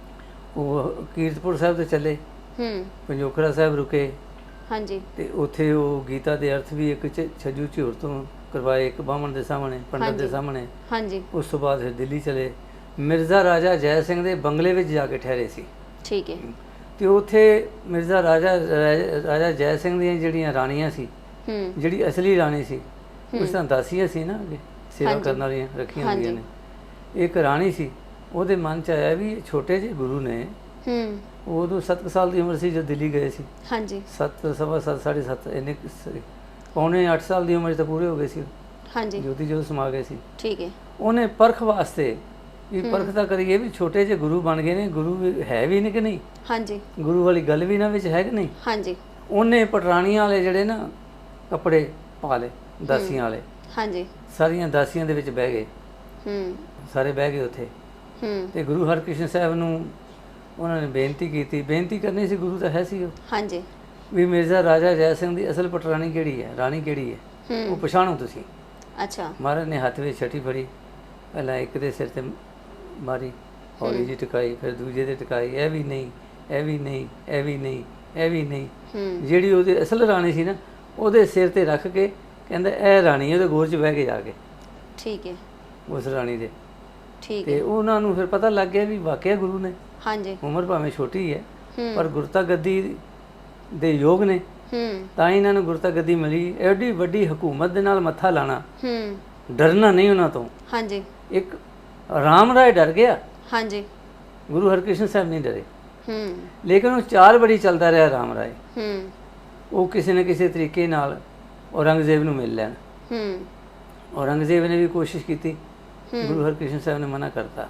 [SPEAKER 2] ਉਹ ਕੀਰਤਪੁਰ ਸਾਹਿਬ ਤੇ ਚੱਲੇ,
[SPEAKER 1] ਹੂੰ
[SPEAKER 2] ਪੰਜੋਖਰਾ ਸਾਹਿਬ ਰੁਕੇ
[SPEAKER 1] ਹਾਂਜੀ
[SPEAKER 2] ਤੇ ਉੱਥੇ ਉਹ ਗੀਤਾ ਦੇ ਅਰਥ ਵੀ ਇੱਕ ਚ- ਛੱਜੂ ਝੂਰ ਤੋਂ ਕਰਵਾਏ, ਇੱਕ ਬਾਹਮਣ ਦੇ ਸਾਹਮਣੇ, ਪੰਡਤ ਦੇ
[SPEAKER 1] ਹਾਂਜੀ।
[SPEAKER 2] ਸਾਹਮਣੇ।
[SPEAKER 1] ਹਾਂਜੀ
[SPEAKER 2] ਉਸ ਤੋਂ ਬਾਅਦ ਫਿਰ ਦਿੱਲੀ ਚਲੇ, ਮਿਰਜ਼ਾ ਰਾਜਾ ਜੈ ਸਿੰਘ ਦੇ ਬੰਗਲੇ ਵਿੱਚ ਜਾ ਕੇ ਠਹਿਰੇ ਸੀ।
[SPEAKER 1] ਠੀਕ ਹੈ
[SPEAKER 2] ਤੇ ਉੱਥੇ ਮਿਰਜ਼ਾ ਰਾਜਾ ਰਾਜਾ ਰਾਜਾ ਜੈ ਸਿੰਘ ਦੀਆਂ ਜਿਹੜੀਆਂ ਰਾਣੀਆਂ ਸੀ,
[SPEAKER 1] ਹੂੰ
[SPEAKER 2] ਜਿਹੜੀ ਅਸਲੀ ਰਾਣੀ ਸੀ, ਉਸ ਤਾਂ ਦਾਸੀਆਂ ਸੀ ਨਾ, ਅੱਗੇ ਸੇਵਾ
[SPEAKER 1] ਹਾਂਜੀ।
[SPEAKER 2] ਕਰਨ ਵਾਲੀਆਂ ਰੱਖੀਆਂ
[SPEAKER 1] ਹਾਂਜੀ।
[SPEAKER 2] ਹੁੰਦੀਆਂ ਨੇ। ਇੱਕ ਰਾਣੀ ਸੀ, ਉਹਦੇ ਮਨ 'ਚ ਆਇਆ ਵੀ ਇਹ ਛੋਟੇ ਜਿਹੇ ਗੁਰੂ ਨੇ,
[SPEAKER 1] ਹੂੰ
[SPEAKER 2] ਉਹ ਉਦੋਂ ਸੱਤ ਕੁ ਸਾਲ ਦੀ ਉਮਰ ਸੀ ਜਦ ਦਿੱਲੀ ਗਏ ਸੀ।
[SPEAKER 1] ਹਾਂਜੀ
[SPEAKER 2] ਸੱਤ ਸਵਾ ਸੱਤ ਸਾਢੇ ਸੱਤ ਇੰਨੇ ਕੁ ਸੀ। ਪੌਣੇ ਅੱਠ ਸਾਲ ਦੀ ਉਮਰ 'ਚ ਤਾਂ ਪੂਰੇ ਹੋ ਗਏ ਸੀ,
[SPEAKER 1] ਹਾਂਜੀ
[SPEAKER 2] ਜੋਤੀ ਜੋਤ ਸਮਾ ਗਏ ਸੀ।
[SPEAKER 1] ਠੀਕ ਹੈ
[SPEAKER 2] ਉਹਨੇ ਪਰਖ ਵਾਸਤੇ ਵੀ ਪਰਖ ਤਾਂ ਕਰੀਏ ਵੀ ਛੋਟੇ ਜਿਹੇ ਗੁਰੂ ਬਣ ਗਏ ਨੇ, ਗੁਰੂ ਵੀ ਹੈ ਵੀ ਨੇ ਕਿ ਨਹੀਂ,
[SPEAKER 1] ਹਾਂਜੀ
[SPEAKER 2] ਗੁਰੂ ਵਾਲੀ ਗੱਲ ਵੀ ਨਾ ਵਿੱਚ ਹੈ ਕਿ ਨਹੀਂ।
[SPEAKER 1] ਹਾਂਜੀ
[SPEAKER 2] ਉਹਨੇ ਪਟਰਾਣੀਆਂ ਵਾਲੇ ਜਿਹੜੇ ਨਾ ਕੱਪੜੇ ਪਾ ਲਏ, ਦਾਸੀਆਂ ਵਾਲੇ,
[SPEAKER 1] ਹਾਂਜੀ
[SPEAKER 2] ਸਾਰੀਆਂ ਦਾਸੀਆਂ ਦੇ ਵਿੱਚ ਬਹਿ ਗਏ,
[SPEAKER 1] ਹੂੰ
[SPEAKER 2] ਸਾਰੇ ਬਹਿ ਗਏ ਉੱਥੇ।
[SPEAKER 1] ਹੂੰ
[SPEAKER 2] ਤੇ ਗੁਰੂ ਹਰਕ੍ਰਿਸ਼ਨ ਸਾਹਿਬ ਨੂੰ ਉਹਨਾਂ ਨੇ ਬੇਨਤੀ ਕੀਤੀ, ਬੇਨਤੀ ਕਰਨੀ ਸੀ, ਗੁਰੂ ਤਾਂ ਹੈ ਸੀ ਉਹ,
[SPEAKER 1] ਹਾਂਜੀ
[SPEAKER 2] ਵੀ ਮਿਰਜ਼ਾ ਰਾਜਾ ਜੈ ਸਿੰਘ ਦੀ ਅਸਲ ਪਟਰਾਣੀ ਕਿਹੜੀ ਹੈ, ਰਾਣੀ ਕਿਹੜੀ ਹੈ, ਉਹ
[SPEAKER 1] ਹੂੰ
[SPEAKER 2] ਪਛਾਣੋ ਤੁਸੀਂ।
[SPEAKER 1] ਅੱਛਾ
[SPEAKER 2] ਮਹਾਰਾਜ ਨੇ ਹੱਥ ਵਿੱਚ ਛਟੀ ਫੜੀ, ਪਹਿਲਾਂ ਇੱਕ ਦੇ ਸਿਰ ਤੇ ਮਾਰੀ, ਹੌਲੀ ਜਿਹੀ ਟਿਕਾਈ, ਫਿਰ ਦੂਜੇ ਦੇ ਟਿਕਾਈ, ਇਹ ਵੀ ਨਹੀਂ, ਇਹ ਵੀ ਨਹੀਂ, ਇਹ ਵੀ ਨਹੀਂ, ਇਹ ਵੀ ਨਹੀਂ।
[SPEAKER 1] ਹੂੰ
[SPEAKER 2] ਜਿਹੜੀ ਉਹਦੀ ਅਸਲ ਰਾਣੀ ਸੀ ਨਾ, ਉਹਦੇ ਸਿਰ ਤੇ ਰੱਖ ਕੇ ਕਹਿੰਦਾ ਇਹ ਰਾਣੀ, ਉਹਦੇ ਗੋਰ 'ਚ ਬਹਿ ਕੇ ਜਾ ਕੇ,
[SPEAKER 1] ਠੀਕ ਹੈ
[SPEAKER 2] ਉਸ ਰਾਣੀ ਦੇ।
[SPEAKER 1] ਠੀਕ
[SPEAKER 2] ਤੇ
[SPEAKER 1] ਹੈ
[SPEAKER 2] ਉਹਨਾਂ ਨੂੰ ਫਿਰ ਪਤਾ ਲੱਗ ਗਿਆ ਵੀ ਵਾਕਿਆ ਗੁਰੂ ਨੇ,
[SPEAKER 1] ਹਾਂਜੀ
[SPEAKER 2] ਉਮਰ ਭਾਵੇਂ ਛੋਟੀ ਹੈ
[SPEAKER 1] ਹੂੰ
[SPEAKER 2] ਪਰ ਗੁਰਤਾ ਗੱਦੀ ਦੇ ਯੋਗ ਨੇ,
[SPEAKER 1] ਹੂੰ
[SPEAKER 2] ਤਾਂ ਹੀ ਇਹਨਾਂ ਨੂੰ ਗੁਰਤਾ ਗੱਦੀ ਮਿਲੀ। ਐਡੀ ਵੱਡੀ ਹਕੂਮਤ ਦੇ ਨਾਲ ਮੱਥਾ ਲਾਣਾ,
[SPEAKER 1] ਹੂੰ
[SPEAKER 2] ਡਰਨਾ ਨਹੀਂ ਉਹਨਾਂ ਤੋਂ।
[SPEAKER 1] ਹਾਂਜੀ
[SPEAKER 2] ਇੱਕ ਰਾਮ ਰਾਏ ਡਰ ਗਿਆ,
[SPEAKER 1] ਹਾਂਜੀ
[SPEAKER 2] ਗੁਰੂ ਹਰਕ੍ਰਿਸ਼ਨ ਸਾਹਿਬ ਨਹੀਂ ਡਰੇ,
[SPEAKER 1] ਹੂੰ
[SPEAKER 2] ਲੇਕਿਨ ਉਹ ਚਾਲ ਬੜੀ ਚੱਲਦਾ ਰਿਹਾ ਰਾਮ ਰਾਏ।
[SPEAKER 1] ਹੂੰ
[SPEAKER 2] ਉਹ ਕਿਸੇ ਨਾ ਕਿਸੇ ਤਰੀਕੇ ਨਾਲ ਔਰੰਗਜ਼ੇਬ ਨੂੰ ਮਿਲ ਲੈਣ।
[SPEAKER 1] ਹੂੰ
[SPEAKER 2] ਔਰੰਗਜ਼ੇਬ ਨੇ ਵੀ ਕੋਸ਼ਿਸ਼ ਕੀਤੀ,
[SPEAKER 1] ਹੂੰ
[SPEAKER 2] ਗੁਰੂ ਹਰਕ੍ਰਿਸ਼ਨ ਸਾਹਿਬ ਨੇ ਮਨਾ ਕਰਤਾ।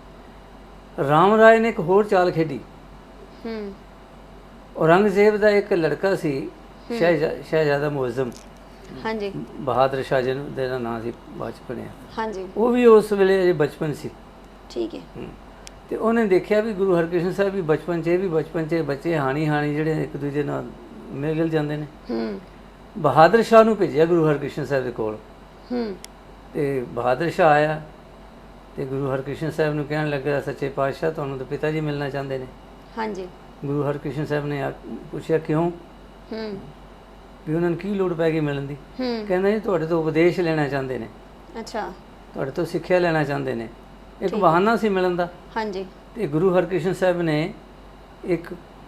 [SPEAKER 2] ਰਾਮ ਰਾਏ ਨੇ ਇੱਕ ਹੋਰ ਚਾਲ ਖੇਡੀ।
[SPEAKER 1] ਹੂੰ
[SPEAKER 2] ਔਰੰਗਜ਼ੇਬ ਦਾ ਇੱਕ ਲੜਕਾ ਸੀ, ਸ਼ਹਿਜ਼ਾ ਸ਼ਹਿਜ਼ਾਦਾ ਮੁਅੱਜ਼ਮ,
[SPEAKER 1] ਹਾਂਜੀ
[SPEAKER 2] ਬਹਾਦਰ ਸ਼ਾਹ ਜੀ ਦਾ ਨਾਂ ਸੀ, ਬਾਅਦ 'ਚ ਬਣਿਆ।
[SPEAKER 1] ਹਾਂਜੀ
[SPEAKER 2] ਉਹ ਵੀ ਉਸ ਵੇਲੇ ਅਜੇ ਬਚਪਨ ਸੀ।
[SPEAKER 1] ਠੀਕ ਹੈ
[SPEAKER 2] ਹਮ, ਤੇ ਉਹਨੇ ਦੇਖਿਆ ਵੀ ਗੁਰੂ ਹਰਕ੍ਰਿਸ਼ਨ ਸਾਹਿਬ ਵੀ ਬਚਪਨ 'ਚ, ਇਹ ਵੀ ਬਚਪਨ 'ਚ, ਬੱਚੇ ਹਾਣੀ ਹਾਣੀ ਜਿਹੜੇ ਇੱਕ ਦੂਜੇ ਨਾਲ ਮਿਲ ਗਿਲ ਜਾਂਦੇ ਨੇ।
[SPEAKER 1] ਹੂੰ
[SPEAKER 2] ਬਹਾਦਰ ਸ਼ਾਹ ਨੂੰ ਭੇਜਿਆ ਗੁਰੂ ਹਰਕ੍ਰਿਸ਼ਨ ਸਾਹਿਬ ਦੇ ਕੋਲ,
[SPEAKER 1] ਹੂੰ
[SPEAKER 2] ਤੇ ਬਹਾਦਰ ਸ਼ਾਹ ਆਇਆ ਤੇ ਗੁਰੂ ਹਰਕ੍ਰਿਸ਼ਨ ਸਾਹਿਬ ਨੂੰ ਕਹਿਣ ਲੱਗਾ, ਸੱਚੇ ਪਾਤਸ਼ਾਹ ਤੁਹਾਨੂੰ ਤਾਂ ਪਿਤਾ ਜੀ ਮਿਲਣਾ ਚਾਹੁੰਦੇ ਨੇ।
[SPEAKER 1] ਹਾਂਜੀ
[SPEAKER 2] ਗੁਰੂ ਹਰਕ੍ਰਿਸ਼ਨ ਸਾਹਿਬ ਨੇ ਆ- ਪੁੱਛਿਆ ਕਿਉਂ,
[SPEAKER 1] ਹੂੰ
[SPEAKER 2] ਵੀ ਉਹਨਾਂ ਨੂੰ ਕੀ ਲੋੜ ਪੈ ਗਈ ਮਿਲਣ ਦੀ।
[SPEAKER 1] ਹੂੰ
[SPEAKER 2] ਕਹਿੰਦਾ ਜੀ ਤੁਹਾਡੇ ਤੋਂ ਉਪਦੇਸ਼ ਲੈਣਾ ਚਾਹੁੰਦੇ ਨੇ,
[SPEAKER 1] ਅੱਛਾ
[SPEAKER 2] ਤੁਹਾਡੇ ਤੋਂ ਸਿੱਖਿਆ ਲੈਣਾ ਚਾਹੁੰਦੇ ਨੇ। ਇੱਕ ਬਹਾਨਾ ਸੀ ਮਿਲਣ ਦਾ।
[SPEAKER 1] ਹਾਂਜੀ
[SPEAKER 2] ਤੇ ਗੁਰੂ ਹਰਕ੍ਰਿਸ਼ਨ ਸਾਹਿਬ ਨੇ ਇੱਕ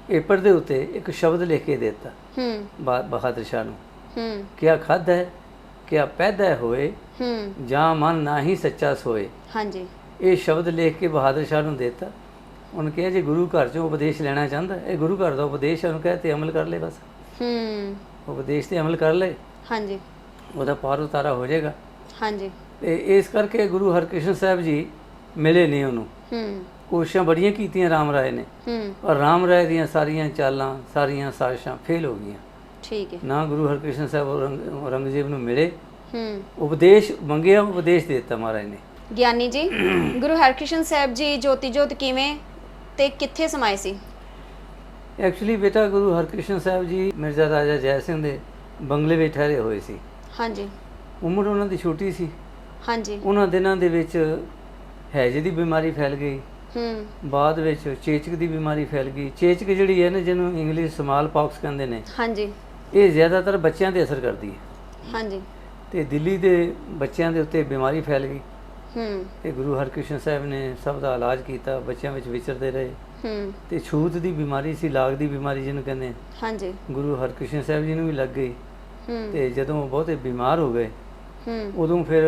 [SPEAKER 2] ਪੇਪਰ ਦੇ ਉੱਤੇ ਇੱਕ ਸ਼ਬਦ ਲਿਖ ਕੇ ਦੇ ਦਿੱਤਾ
[SPEAKER 1] ਹੂੰ
[SPEAKER 2] ਬਾ- ਬਹਾਦਰ ਸ਼ਾਹ ਨੂੰ,
[SPEAKER 1] ਹੂੰ
[SPEAKER 2] ਕਿਆ ਖਾਧਾ ਹੈ ਕਿਆ ਪੈਦਾ ਹੋਏ,
[SPEAKER 1] ਹੂੰ
[SPEAKER 2] ਜਾਂ ਮਨ ਨਾ ਹੀ ਸੱਚਾ ਸੋਏ।
[SPEAKER 1] ਹਾਂਜੀ
[SPEAKER 2] ਇਹ ਸ਼ਬਦ ਲਿਖ ਕੇ ਬਹਾਦਰ ਸ਼ਾਹ ਨੂੰ ਦੇ ਦਿੱਤਾ। ਉਹਨੇ ਕਿਹਾ ਜੇ ਗੁਰੂ ਘਰ ਚੋਂ ਉਪਦੇਸ਼ ਲੈਣਾ ਚਾਹੁੰਦਾ, ਇਹ ਗੁਰੂ ਘਰ ਦਾ ਉਪਦੇਸ਼ ਹੈ, ਉਹਨੂੰ ਕਹਿ ਤੇ ਅਮਲ ਕਰ ਲੈ, ਬਸ
[SPEAKER 1] ਹੂੰ
[SPEAKER 2] ਉਪਦੇਸ਼ ਤੇ ਅਮਲ ਕਰ ਲੈ,
[SPEAKER 1] ਹਾਂਜੀ
[SPEAKER 2] ਉਹਦਾ ਪਾਰ ਉਤਾਰਾ ਹੋ ਜਾਏਗਾ।
[SPEAKER 1] ਹਾਂਜੀ
[SPEAKER 2] ਤੇ ਇਸ ਕਰਕੇ ਗੁਰੂ ਹਰਕ੍ਰਿਸ਼ਨ ਸਾਹਿਬ ਜੀ ਮਿਲੇ ਨਹੀਂ ਉਹਨੂੰ।
[SPEAKER 1] ਹੂੰ
[SPEAKER 2] ਕੋਸ਼ਿਸ਼ਾਂ ਬੜੀਆਂ ਕੀਤੀਆਂ ਰਾਮ ਰਾਏ ਨੇ,
[SPEAKER 1] ਹੂੰ
[SPEAKER 2] ਪਰ ਰਾਮ ਰਾਏ ਦੀਆਂ ਸਾਰੀਆਂ ਚਾਲਾਂ, ਸਾਰੀਆਂ ਸਾਜ਼ਿਸ਼ਾਂ ਫੇਲ ਹੋ ਗਈਆਂ।
[SPEAKER 1] ਠੀਕ ਹੈ
[SPEAKER 2] ਨਾ ਗੁਰੂ ਹਰਕ੍ਰਿਸ਼ਨ ਸਾਹਿਬ ਔਰੰਗ- ਔਰੰਗਜ਼ੇਬ ਨੂੰ ਮਿਲੇ,
[SPEAKER 1] ਹੂੰ
[SPEAKER 2] ਉਪਦੇਸ਼ ਮੰਗਿਆ, ਉਪਦੇਸ਼ ਦੇ ਦਿੱਤਾ ਮਹਾਰਾਜ ਨੇ।
[SPEAKER 1] ਗਿਆਨੀ ਜੀ, ਗੁਰੂ ਹਰਕ੍ਰਿਸ਼ਨ ਸਾਹਿਬ ਜੀ ਜੋਤੀ ਜੋਤ ਕਿਵੇਂ ਤੇ ਕਿੱਥੇ ਸਮਾਏ ਸੀ?
[SPEAKER 2] ਐਕਚੁਅਲੀ ਬੇਟਾ ਗੁਰੂ ਹਰਕ੍ਰਿਸ਼ਨ ਸਾਹਿਬ ਜੀ ਮਿਰਜ਼ਾ ਰਾਜਾ ਜੈ ਸਿੰਘ ਦੇ ਬੰਗਲੇ ਵਿੱਚ ਠਹਿਰੇ ਹੋਏ ਸੀ।
[SPEAKER 1] ਹਾਂਜੀ
[SPEAKER 2] ਉਮਰ ਉਹਨਾਂ ਦੀ ਛੋਟੀ ਸੀ।
[SPEAKER 1] ਹਾਂਜੀ
[SPEAKER 2] ਉਹਨਾਂ ਦਿਨਾਂ ਦੇ ਵਿੱਚ ਹੈਜੇ ਦੀ ਬਿਮਾਰੀ ਫੈਲ ਗਈ,
[SPEAKER 1] ਹੂੰ
[SPEAKER 2] ਬਾਅਦ ਵਿੱਚ ਚੇਚਕ ਦੀ ਬਿਮਾਰੀ ਫੈਲ ਗਈ। ਚੇਚਕ ਜਿਹੜੀ ਹੈ ਨਾ, ਜਿਹਨੂੰ ਇੰਗਲਿਸ਼ ਸਮਾਲ ਪਾਕਸ ਕਹਿੰਦੇ ਨੇ,
[SPEAKER 1] ਹਾਂਜੀ
[SPEAKER 2] ਇਹ ਜ਼ਿਆਦਾਤਰ ਬੱਚਿਆਂ ਤੇ ਅਸਰ ਕਰਦੀ ਹੈ।
[SPEAKER 1] ਹਾਂਜੀ
[SPEAKER 2] ਤੇ ਦਿੱਲੀ ਦੇ ਬੱਚਿਆਂ ਦੇ ਉੱਤੇ ਬਿਮਾਰੀ ਫੈਲ ਗਈ
[SPEAKER 1] ਹੂੰ
[SPEAKER 2] ਤੇ ਗੁਰੂ ਹਰਕ੍ਰਿਸ਼ਨ ਸਾਹਿਬ ਨੇ ਸਭ ਦਾ ਇਲਾਜ ਕੀਤਾ, ਬੱਚਿਆਂ ਵਿੱਚ ਵਿਚਰਦੇ ਰਹੇ।
[SPEAKER 1] ਹੂੰ
[SPEAKER 2] ਤੇ ਛੂਤ ਦੀ ਬਿਮਾਰੀ ਸੀ, ਲਾਗ ਦੀ ਬਿਮਾਰੀ ਜਿਹਨੂੰ ਕਹਿੰਦੇ ਆ,
[SPEAKER 1] ਹਾਂਜੀ
[SPEAKER 2] ਗੁਰੂ ਹਰਕ੍ਰਿਸ਼ਨ ਸਾਹਿਬ ਜੀ ਨੂੰ ਵੀ ਲੱਗ ਗਈ।
[SPEAKER 1] ਹੂੰ
[SPEAKER 2] ਤੇ ਜਦੋਂ ਉਹ ਬਹੁਤੇ ਬਿਮਾਰ ਹੋ ਗਏ,
[SPEAKER 1] ਹੂੰ
[SPEAKER 2] ਉਦੋਂ ਫਿਰ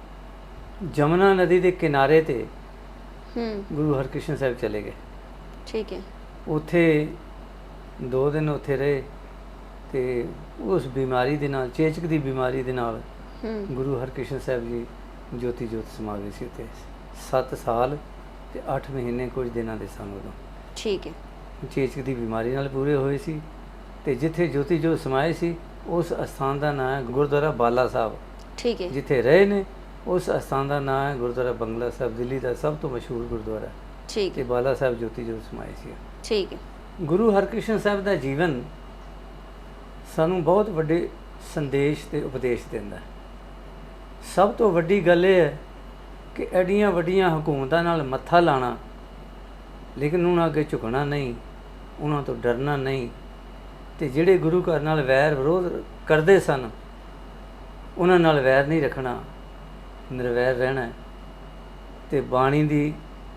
[SPEAKER 2] ਜਮਨਾ ਨਦੀ ਦੇ ਕਿਨਾਰੇ ਤੇ
[SPEAKER 1] ਹੂੰ
[SPEAKER 2] ਗੁਰੂ ਹਰਕ੍ਰਿਸ਼ਨ ਸਾਹਿਬ ਚਲੇ ਗਏ।
[SPEAKER 1] ਠੀਕ ਹੈ
[SPEAKER 2] ਉੱਥੇ ਦੋ ਦਿਨ ਉੱਥੇ ਰਹੇ ਤੇ ਉਸ ਬਿਮਾਰੀ ਦੇ ਨਾਲ, ਚੇਚਕ ਦੀ ਬਿਮਾਰੀ ਦੇ ਨਾਲ,
[SPEAKER 1] ਹੂੰ
[SPEAKER 2] ਗੁਰੂ ਹਰਕ੍ਰਿਸ਼ਨ ਸਾਹਿਬ ਜੀ ਜੋਤੀ ਜੋਤ ਸਮਾ ਗਏ ਸੀ ਉੱਥੇ। ਸੱਤ ਸਾਲ ਤੇ ਅੱਠ ਮਹੀਨੇ ਕੁਝ ਦਿਨਾਂ ਦੇ ਸਨ ਉਦੋਂ।
[SPEAKER 1] ਠੀਕ ਹੈ
[SPEAKER 2] ਚੇਚਕ ਦੀ ਬਿਮਾਰੀ ਨਾਲ ਪੂਰੇ ਹੋਏ ਸੀ। ਤੇ ਜਿੱਥੇ ਜੋਤੀ ਜੋਤ ਸਮਾਏ ਸੀ, ਉਸ ਅਸਥਾਨ ਦਾ ਨਾਂ ਹੈ ਗੁਰਦੁਆਰਾ ਬਾਲਾ ਸਾਹਿਬ।
[SPEAKER 1] ਠੀਕ ਹੈ
[SPEAKER 2] ਜਿੱਥੇ ਰਹੇ ਨੇ ਉਸ ਅਸਥਾਨ ਦਾ ਨਾਂ ਹੈ ਗੁਰਦੁਆਰਾ ਬੰਗਲਾ ਸਾਹਿਬ, ਦਿੱਲੀ ਦਾ ਸਭ ਤੋਂ ਮਸ਼ਹੂਰ ਗੁਰਦੁਆਰਾ।
[SPEAKER 1] ਠੀਕ
[SPEAKER 2] ਤੇ
[SPEAKER 1] ਹੈ
[SPEAKER 2] ਬਾਲਾ ਸਾਹਿਬ ਜੋਤੀ ਜੋਤ ਸਮਾਏ ਸੀ।
[SPEAKER 1] ਠੀਕ ਹੈ
[SPEAKER 2] ਗੁਰੂ ਹਰਕ੍ਰਿਸ਼ਨ ਸਾਹਿਬ ਦਾ ਜੀਵਨ ਸਾਨੂੰ ਬਹੁਤ ਵੱਡੇ ਸੰਦੇਸ਼ ਤੇ ਉਪਦੇਸ਼ ਦਿੰਦਾ ਹੈ। ਸਭ ਤੋਂ ਵੱਡੀ ਗੱਲ ਇਹ ਹੈ ਕਿ ਐਡੀਆਂ ਵੱਡੀਆਂ ਹਕੂਮਤਾਂ ਨਾਲ ਮੱਥਾ ਲਾਣਾ, ਲੇਕਿਨ ਉਹਨਾਂ ਅੱਗੇ ਝੁਕਣਾ ਨਹੀਂ, ਉਹਨਾਂ ਤੋਂ ਡਰਨਾ ਨਹੀਂ। ਤੇ ਜਿਹੜੇ ਗੁਰੂ ਘਰ ਨਾਲ ਵੈਰ ਵਿਰੋਧ ਕਰਦੇ ਸਨ, ਉਹਨਾਂ ਨਾਲ ਵੈਰ ਨਹੀਂ ਰੱਖਣਾ, ਨਿਰਵੈਰ ਰਹਿਣਾ। ਤੇ ਬਾਣੀ ਦੀ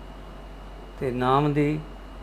[SPEAKER 2] ਤੇ ਨਾਮ ਦੀ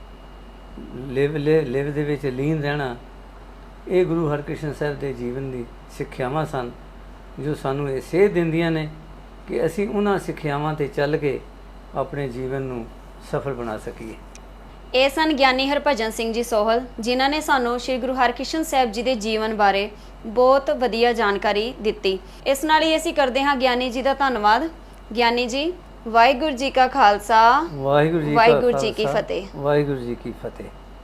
[SPEAKER 2] ਲਿਵ ਲਿ- ਲਿਵ ਦੇ ਵਿੱਚ ਲੀਨ ਰਹਿਣਾ, ਇਹ ਗੁਰੂ ਹਰਕ੍ਰਿਸ਼ਨ ਸਾਹਿਬ ਦੇ ਜੀਵਨ ਦੀ ਸਿੱਖਿਆਵਾਂ ਸਨ, ਜੋ ਸਾਨੂੰ ਇਹ ਸੇਧ ਦਿੰਦੀਆਂ ਨੇ ਕਿ ਅਸੀਂ ਉਹਨਾਂ ਸਿੱਖਿਆਵਾਂ ਤੇ ਚੱਲ ਕੇ ਆਪਣੇ ਜੀਵਨ ਨੂੰ ਸਫਲ ਬਣਾ ਸਕੀਏ।
[SPEAKER 1] ਇਹ ਸਨ ਗਿਆਨੀ ਹਰਭਜਨ ਸਿੰਘ ਜੀ ਸੋਹਲ, ਜਿਨ੍ਹਾਂ ਨੇ ਸਾਨੂੰ ਸ੍ਰੀ ਗੁਰੂ ਹਰਕ੍ਰਿਸ਼ਨ ਸਾਹਿਬ ਜੀ ਦੇ ਜੀਵਨ ਬਾਰੇ ਬਹੁਤ ਵਧੀਆ ਜਾਣਕਾਰੀ ਦਿੱਤੀ। ਇਸ ਨਾਲ ਹੀ ਅਸੀਂ ਕਰਦੇ ਹਾਂ ਗਿਆਨੀ ਜੀ ਦਾ ਧੰਨਵਾਦ। ਗਿਆਨੀ ਜੀ, ਵਾਹਿਗੁਰੂ ਜੀ ਕਾ ਖਾਲਸਾ,
[SPEAKER 2] ਵਾਹਿਗੁਰੂ ਜੀ ਕਾ
[SPEAKER 1] ਵਾਹਿਗੁਰੂ ਜੀ ਕੀ
[SPEAKER 2] ਖਾਲਸਾ,
[SPEAKER 1] ਫਤਿਹ।
[SPEAKER 2] ਵਾਹਿਗੁਰੂ ਜੀ ਕੀ ਫਤਿਹ।